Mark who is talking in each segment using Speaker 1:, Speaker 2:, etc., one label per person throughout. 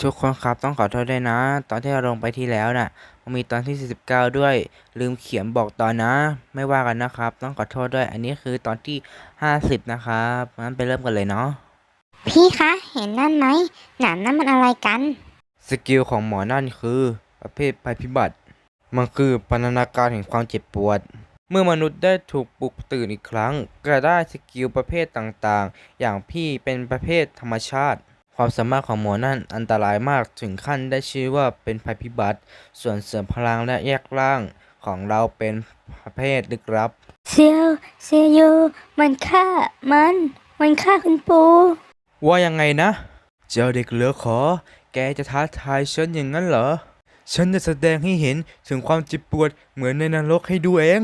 Speaker 1: ทุกคนครับต้องขอโทษด้วยนะตอนที่เราลงไปที่แล้วน่ะมันมีตอนที่49ด้วยลืมเขียนบอกตอนนะไม่ว่ากันนะครับต้องขอโทษด้วยอันนี้คือตอนที่50นะครับงั้นไปเริ่มกันเลยเนาะ
Speaker 2: พี่คะเห็นนั่นไหมหนามนั่นมันอะไรกัน
Speaker 1: สกิลของหมอนั่นคือประเภทภัยพิบัติมันคือพันธนาการแห่งความเจ็บปวดเมื่อมนุษย์ได้ถูกปลุกตื่นอีกครั้งก็ได้สกิลประเภทต่างๆอย่างพี่เป็นประเภทธรรมชาติความสามารถของหมอนั่นอันตรายมากถึงขั้นได้ชื่อว่าเป็นภัยพิบัติส่วนเสริมพลังและแยกร่างของเราเป็นประเภทลึกลับ
Speaker 2: เซียวเซียวยูมันฆ่าคุณปู่
Speaker 1: ว่ายังไงนะเจ้าเด็กเหลือขอแกจะท้าทายฉันอย่างนั้นเหรอฉันจะแสดงให้เห็นถึงความเจ็บปวดเหมือนในนรกให้ดูเอง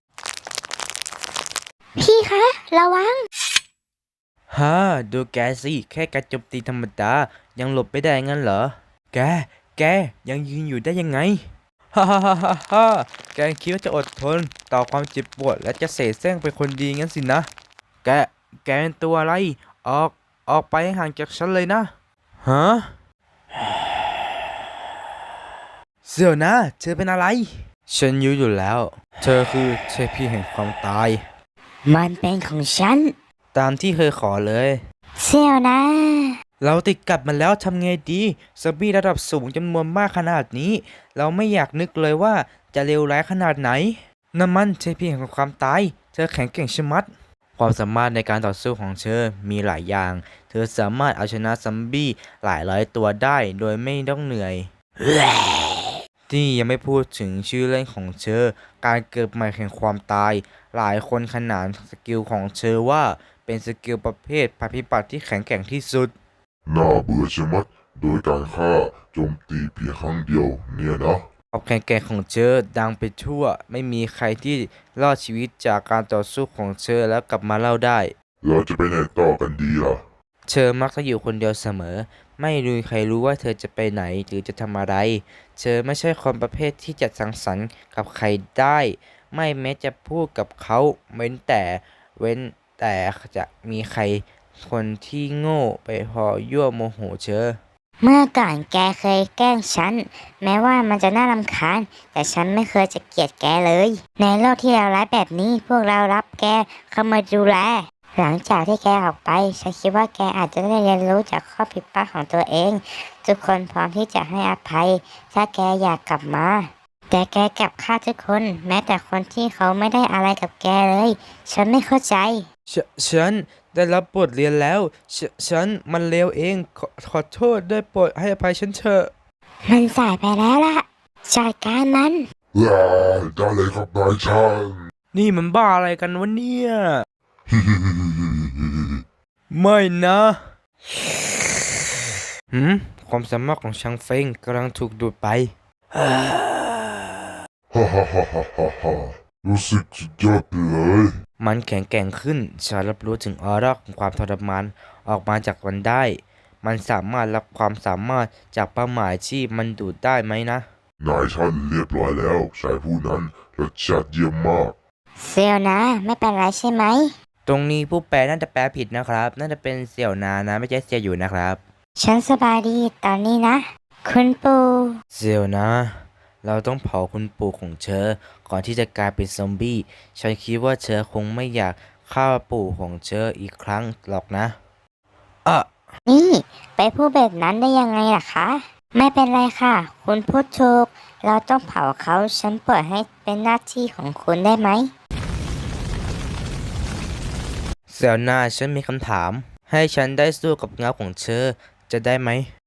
Speaker 2: พี่คะระวัง
Speaker 1: ฮ่าดูแกสิแค่การโจมตีธรรมดายังหลบไม่ได้งั้นเหรอแกแกยังยืนอยู่ได้ยังไงฮ่าฮ่าฮ่าฮ่าฮ่าแกคิดว่าจะอดทนต่อความเจ็บปวดและจะเสแสร้งเป็นคนดีงั้นสินะแกแกเป็นตัวอะไรออกออกไปให้ห่างจากฉันเลยนะฮะเสี่ยวนะเธอเป็นอะไรฉันรู้อยู่แล้วเธอคือเทพีแห่งความตาย
Speaker 2: มันเป็นของฉัน
Speaker 1: ตามที่เคยขอเลย
Speaker 2: เซียวนะ
Speaker 1: เราติดกับมันแล้วทำไงดีซอมบี้ระดับสูงจำนวนมากขนาดนี้เราไม่อยากนึกเลยว่าจะเลวร้ายขนาดไหนน้ำมันเทพีแห่งความตายเธอแข็งแกร่งชะมัดความสามารถในการต่อสู้ของเธอมีหลายอย่างเธอสามารถเอาชนะซอมบี้หลายร้อยตัวได้โดยไม่ต้องเหนื่อยที่ยังไม่พูดถึงชื่อเล่นของเธอการเกิดใหม่แห่งความตายหลายคนขนานสกิลของเธอว่าเป็นสกิลประเภทภัยพิบัติที่แข็งแกร่งที่สุด
Speaker 3: น่าเบื่อชะมัดโดยการฆ่าโจมตีเพียงครั้งเดียวเนี่ยนะ
Speaker 1: ความแข็งแกร่งของเธอดังไปทั่วไม่มีใครที่รอดชีวิตจากการต่อสู้ของเธอแล้วกลับมาเล่าได้
Speaker 3: เราจะไปไหนต่อกันดีล่ะ
Speaker 1: เธอมักจะอยู่คนเดียวเสมอไม่มีใครรู้ว่าเธอจะไปไหนหรือจะทำอะไรเธอไม่ใช่คนประเภทที่จะสังสรรค์กับใครได้ไม่แม้จะพูดกับเขาเว้นแต่จะมีใครคนที่โง่ไปพอยั่วโมโหเธอ
Speaker 2: เมื่อก่อนแกเคยแกล้งฉันแม้ว่ามันจะน่ารำคาญแต่ฉันไม่เคยจะเกลียดแกเลยในโลกที่เลวร้ายแบบนี้พวกเรารับแกเข้ามาดูแลหลังจากที่แกออกไปฉันคิดว่าแกอาจจะได้เรียนรู้จากข้อผิดพลาดของตัวเองทุกคนพร้อมที่จะให้อภัยถ้าแกอยากกลับมาแต่แกกลับฆ่าทุกคนแม้แต่คนที่เขาไม่ได้อะไรกับแกเลยฉันไม่เข้าใจ
Speaker 1: ฉันได้รับบทเรียนแล้วฉันมันเลวเองขอโทษได้โปรดให้อภัยฉันเถอะ
Speaker 2: มันสายไปแล้วล่ะจัดการมัน
Speaker 3: ว้าได้เลยครับนายช่าง
Speaker 1: นี่มันบ้าอะไรกันวะเนี่ย
Speaker 3: ฮิฮิฮิฮิฮิฮิ
Speaker 1: ไม่นะหืมความสามารถของชังเฟงกำลังถูกดูดไป
Speaker 3: ฮ่าฮ่าฮ่าฮ่าฮ่าฮ่ารู้สึกสุดยอดไปเลย
Speaker 1: มันแข็งแกร่งขึ้นฉันรับรู้ถึงออร่าของความทรมานออกมาจากมันได้มันสามารถรับความสามารถจากเป้าหมายที่มันดูดได้ไหมนะ
Speaker 3: นายท่านเรียบร้อยแล้วชายผู้นั้นรสชาติเยี่ยมมาก
Speaker 2: เซลลนะไม่เป็นไรใช่ไหม
Speaker 1: ตรงนี้ผู้แปลน่าจะแปลผิดนะครับน่าจะเป็นเสี่ยวนานะไม่ใช่เสี่ยวอยู่นะครับ
Speaker 2: ฉันสบายดีตอนนี้นะคุณปู่
Speaker 1: เสี่ยวนะเราต้องเผาคุณปู่ของเธอก่อนที่จะกลายเป็นซอมบี้ฉันคิดว่าเธอคงไม่อยากฆ่าปู่ของเธออีกครั้งหรอกนะอ่ะ
Speaker 2: นี่ไปพูดแบบนั้นได้ยังไงล่ะคะไม่เป็นไรค่ะคุณพูดถูกเราต้องเผาเขาฉันเปิดให้เป็นหน้าที่ของคุณได้ไหม
Speaker 1: เสี่ยวนาฉันมีคำถามให้ฉันได้สู้กับเงาของเธอจะได้ไหม